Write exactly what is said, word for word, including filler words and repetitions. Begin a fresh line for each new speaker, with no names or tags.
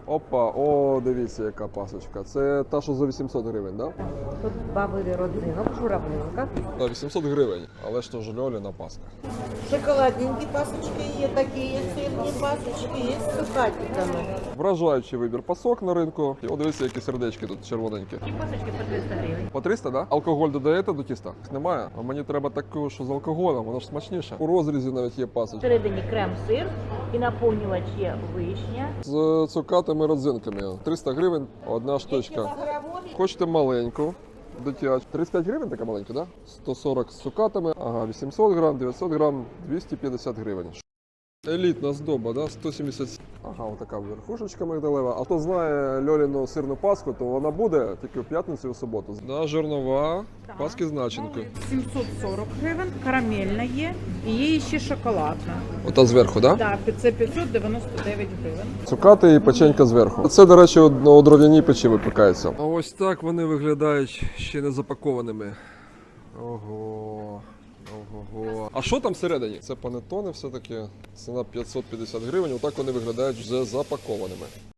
Опа, о, дивіться, яка пасочка. Це та, що за вісімсот гривень, так? Да?
Тут бабовий родзинок, журавлинка.
За вісімсот гривень, але ж то ж Льоліна паска.
Шоколадненькие пасочки есть, такие сырные пасочки есть с цукатиками.
Вражаючий вибір пасок на ринку. І от дивіться, які сердечки тут червоненькі.
І пасочки по триста гривень.
По триста, так? Да? Алкоголь додаєте до тіста? Немає. А мені треба таку, що з алкоголем, воно ж смачніше. У розрізі навіть є пасочка.
Всередині крем-сир і наповнювач є вишня.
З цукатими родзинками. триста гривень, одна штучка. Хочете маленьку, дитячу. тридцять п'ять гривень така маленька, да? сто сорок з цукатами, ага, вісімсот грам, дев'ятсот грам, двісті п'ятдесят гривень. Елітна здоба, да? сто сімдесят. Ага, отака верхушечка мигдалева. А хто знає Льоліну сирну паску, то вона буде тільки в п'ятницю і в суботу. Да, жирнова, паски з начинкою.
сімсот сорок гривень, карамельна є, і є ще шоколадна.
Ота зверху, да?
Так, це п'ятсот дев'яносто дев'ять гривень.
Цукати і печенька зверху. Це, до речі, у дров'яній печі випікається. А ось так вони виглядають ще не запакованими. Ого. Ого. А що там всередині? Це панеттони все-таки. Ціна п'ятсот п'ятдесят гривень. Отак вони виглядають вже запакованими.